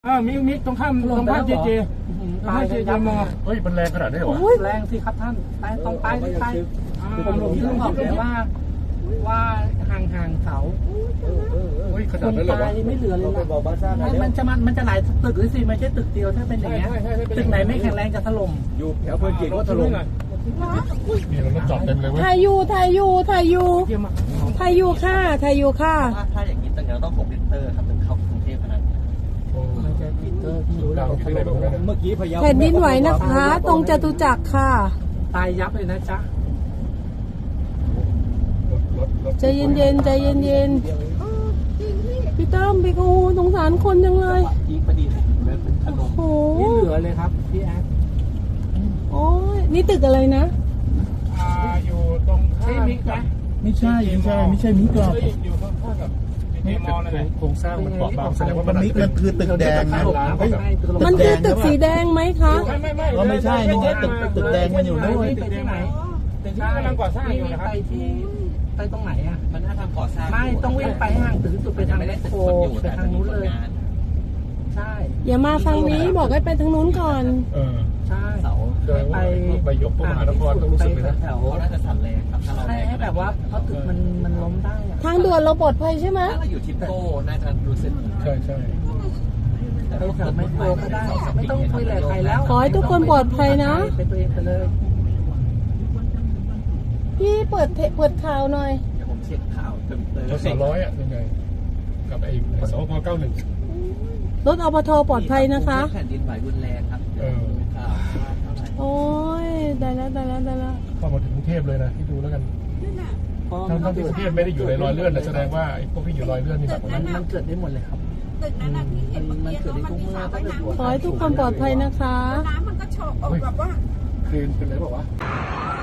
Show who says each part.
Speaker 1: มิกตรงข้ามเจเจตายเจเจมอเฮ้ยมันแรงขนาดนี้เหรอแรงสิครับท่านไปตรงไปผมถึงบอกเลยว่าห่างเสาคนตายไม่เหลือเลยมันจะหลายตึกหรือสิไม่ใช่ตึกเดียวถ้าเป็นอย่างเงี้ยตึกไหนไม่แข็งแรงจะถล่ม
Speaker 2: อยู่แถวเพลินจิตก็ถล่ม
Speaker 1: นี่เราจอดเต็มเลยเว้ย
Speaker 3: ถ่ายอยู่ค่ะถ่ายอยู่ค่ะ
Speaker 4: ถ้าอย่างนี้ต้อง6 ลิตรครับถึงเข้ากรุงเทพขนาดนี้
Speaker 1: มันจะลิตรที่รู้แล้ว
Speaker 2: เมื่อกี้พยายาม
Speaker 3: แผ่นดินไหวนะคะตรงจตุจักรค่ะ
Speaker 1: ตายยับเลยนะจ๊ะ
Speaker 3: ใจเย็นพี่ตั้มพี่กูสงสารคนจังเลยโอ้โห
Speaker 1: นี่เหลือเลยครับพี่แอ๊ด
Speaker 3: โอ้ยนี่ตึกอะไรนะ
Speaker 1: อยู่ตรงข้ามมิกนะ
Speaker 2: ไม่ใช่มิกหรอก
Speaker 1: อยู่ข้างกับเจมอนั่นแหละโครงสร้างมันเปราะบางแสดงว่า
Speaker 2: มิกมันคือตึกแดงนะ
Speaker 3: มันคือตึกสีแดงไหมคะ
Speaker 2: ไม่ใช่นี่ตึกแดงมันอยู่นู่น
Speaker 1: ตึกที่ไหนตึกที่กำลังก่อสร้างอยู่นะครับไปตรงไหนอ่ะ
Speaker 4: มันน่าทำก่อสร้าง
Speaker 1: ไม่ต้องวิ่งไปห่างถึงสุดไปทางโคไปทางนู้นเลยใช่
Speaker 3: อย่ามาฟังนี้บอกให้ไปทางนู้นก่อน
Speaker 1: ใช่ไปยกตัวมหานครต้องรู้สึกเลยนะ
Speaker 4: แถวน่าจะสั่นแรงครับถ้าเรา
Speaker 1: ให้แบบว่าเพราะตึกมันล้มได้
Speaker 3: ทางด่วนเราปลอดภัยใช่ไหม
Speaker 4: ถ้าเราอยู่ทิปโก้น่าจะรู้สึก
Speaker 1: ใช่
Speaker 4: ไป
Speaker 1: แถวไม่โกก็ได้ไม่ต้องคุยอะไรใครแล้ว
Speaker 3: ขอให้ทุกคนปลอดภัยนะ
Speaker 1: ไปตัวเองไปเลย
Speaker 3: พี่เปิดข่าวหน่อย
Speaker 4: เดี๋ยวผมเช็คข่าวเติม
Speaker 1: 100อ่ะยังไงกับไอ้สพ91
Speaker 3: รถอปทปลอดภัยนะคะ
Speaker 4: แผ่นดินไหวรุนแรงครับ
Speaker 3: โอ้ยได้แล้ว
Speaker 1: เข้ามาถึงกรุงเทพเลยนะที่ดูแล้วกันทั้งที่กรุงเทพไม่ได้อยู่ในรอยเลื่อนแสดงว่าไอ้พวกที่อยู่รอยเลื่อนนี่แบบมันเกิดได้หมดเลยครับ
Speaker 5: ตึกนั้นนะที่เห็นเมื่อกี้เขามีข่าวว่าน้ำ
Speaker 3: ขอให้ทุกคนปลอดภัยนะคะ
Speaker 5: น้ำมันก็โชกแบบว่า
Speaker 1: คืนเป็นไรบอกว่า